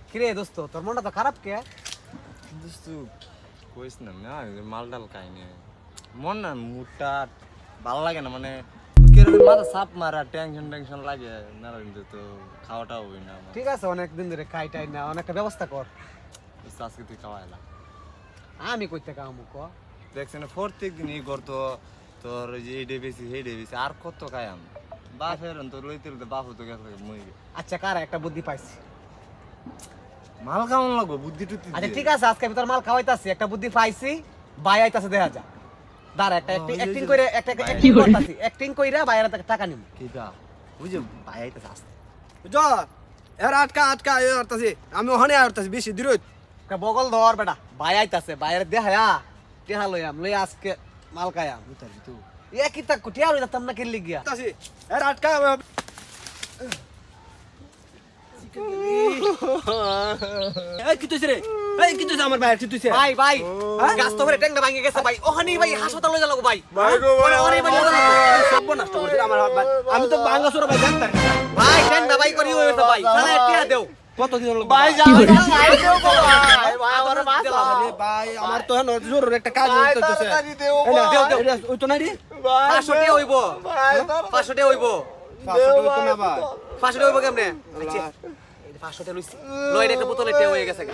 কিরে দোস্ত তোর মনটা তো খারাপ কে? দোস্ত কইস না মাল ডাল খাইনি মন না মুডটা ভালো লাগে না মানে কিরকম মাথা চাপ মারা টেনশন লাগে না কিন্তু তো খাওয়াটা হবে না আমার। ঠিক আছে অনেকদিন ধরে খাইটাই না অনেকটা ব্যবস্থা কর। দোস্ত, আজকে তুই খাওয়াইলা আমি কইতে কামু ক দেখছি না প্রত্যেক দিনই করতো তোর ওই যে এই ডে বেশি সেই ডে বেশি আর কত খাই আমি বাপের তোর লইতে লইতে বাপু তো গেছে মই আচ্ছা কার একটা বুদ্ধি পাইছি। মাল কেমন লাগবো বুদ্ধি টুদ্ধি আচ্ছা ঠিক আছে আজকে আমি তোর মাল খাওয়াইতাছি একটা বুদ্ধি পাইছি বাই আইতাছে দেখা যা দাঁড়া একটা অ্যাক্টিং করে একটা অ্যাক্টিং করতাছি অ্যাক্টিং কইরা বাইরে টাকা নিম কিটা বুঝে ভাই আইতাছে আসতে বুঝো এর আটকা এ আরতাছি আমি ওখানে আরতাছি বেশি দূর একটা বগল ধর বেটা বাই আইতাছে বাইরে দেখায়া টেহা লইয়াম লই আজকে মাল খায়াম বুঝতালি তো এ কি তা কুটিয়া লই যাতাম না কেলি গিয়া আরতাছি এর আটকা এই কি তুইছে রে এই কি তুইছে আমার ভাই কি তুইছে ভাই ভাই গাছ তো ভরে ট্যাংটা ভাঙে গেছে ভাই ওখানে ভাই হাসপাতাল লই যাবো ভাই ভাই গো ওরে ভাই সব নষ্ট করছিস আমার ভাই আমি তো ভাঙা চোরা ভাই জানতাম ভাই ট্যাংটা ভাই করি হইছে ভাই সারা টিয়া দেও কত দিন হলো ভাই যা ভাই দেও ভাই ভাই আমার মাছ আরে ভাই আমার তো এখন জরুরি একটা কাজ হইতেছে দেও ওই তো না রে 500 টাকা হইবো 500 টাকা হইবো 500 তো না ভাই 500 টাকা হইবো কেমনে আচ্ছা 500 টাকা লইছি লই একটা বোতলে টেও হয়ে গেছে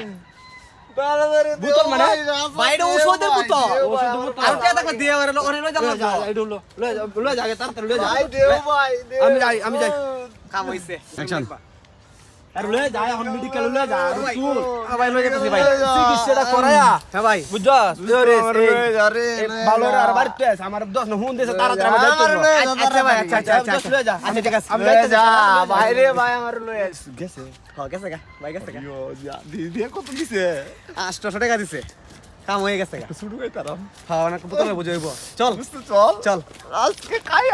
বুতল মানে বাইরে ওষুধের বোতল ওষুধের বোতল। আর টাকা টাকা দিয়ে ওরে ওরে লই যাবো লয়ে যা তাড়াতাড়ি লয়ে যা আমি যাই কাম হইছে অ্যাকশন আর লয়ে যা এখন মেডিকেল লয়ে যা আর তুই ভাই লই যাইতেছি ভাই চিকিৎসাটা করায়া হ্যাঁ ভাই বুঝছস ভালো রে আর বাড়িতে আছে আমার 10 না হুন দিছে তাড়াতাড়ি আমি যাইতে আচ্ছা ভাই আচ্ছা লয়ে যা আচ্ছা ঠিক আছে আমি যাইতে যা ভাই রে ভাই আমার লই আইছ গেছে গেছে গা ভাই গেছে গা ইয়ো যা দিদি কত দিছে 800 টাকা দিছে কাম হয়ে গেছে গা শুরু হই তারাম হ্যাঁ অনেক বোতলে বুঝাইব চল বুঝতে চল চল আজকে খাইয়া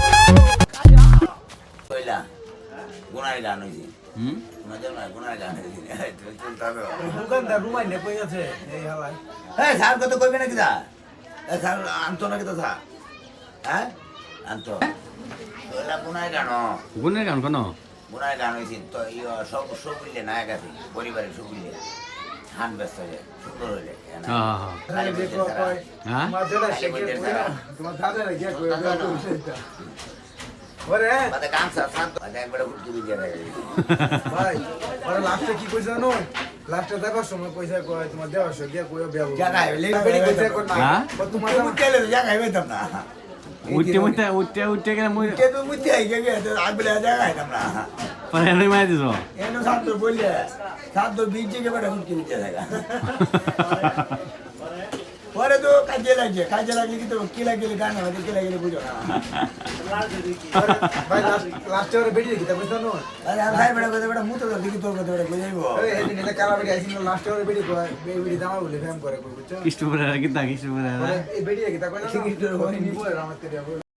কইলা গুনার গান হইছে মজা না গুনার গান হইছে তুই চলতা তো দোকানদার রুমাই নে কই আছে এই হালাই এই স্যার কত কইবে নাকি দা এই স্যার আনতো নাকি তো স্যার হ্যাঁ আনতো কইলা গুনার গান গুণের গান কেন গুনার গান হইছে তো সব মিলে নায়ক আছে পরিবারের সব মিলে হান ব্যস্ত হয়ে সুন্দর হইলে হ্যাঁ তোমার দাদারে গিয়ে কই ওরে বাদে গান স্যার বাদে একবার উঠতে দিয়ে দেয় ভাই ওরা লাস্টে কি কইছে জানো লাস্টে দেখার সময় কইছে কয় তোমার দেওয়ার সময় গিয়া কইও বিয়া জায়গায় বেড়ি কইছে কোন না হ্যাঁ? তোমার মুতে এলে জায়গায় হইতাম না উঠতে গেলে মুই কে তো মুতে আই গে আগলে জায়গায় হইতাম না পরে মাই দিছ এনো সাতো বললে সাতো বিজে কে বড় মুটকি দিতে লাগা পরে তো কাজে লাগলে কি তো কি লাগলে গান হবে কি লাগলে বুঝো না ভাই লাস্টে ওরা বেড়ি কি তা কইছ জানো আরে আর ভাই বড় মুতো তো দেখি তোর কথা বড় কই যাইবো আরে এই দিন এটা কালা বেড়ি আইছিল লাস্টে ওরা বেড়ি কয় বেড়ি দামা বলে ফেম করে কই বুঝছো কৃষ্ণপুরে কি তা কৃষ্ণপুরে এই বেড়ি কি তা কইলা কি নিবো আমার তেরে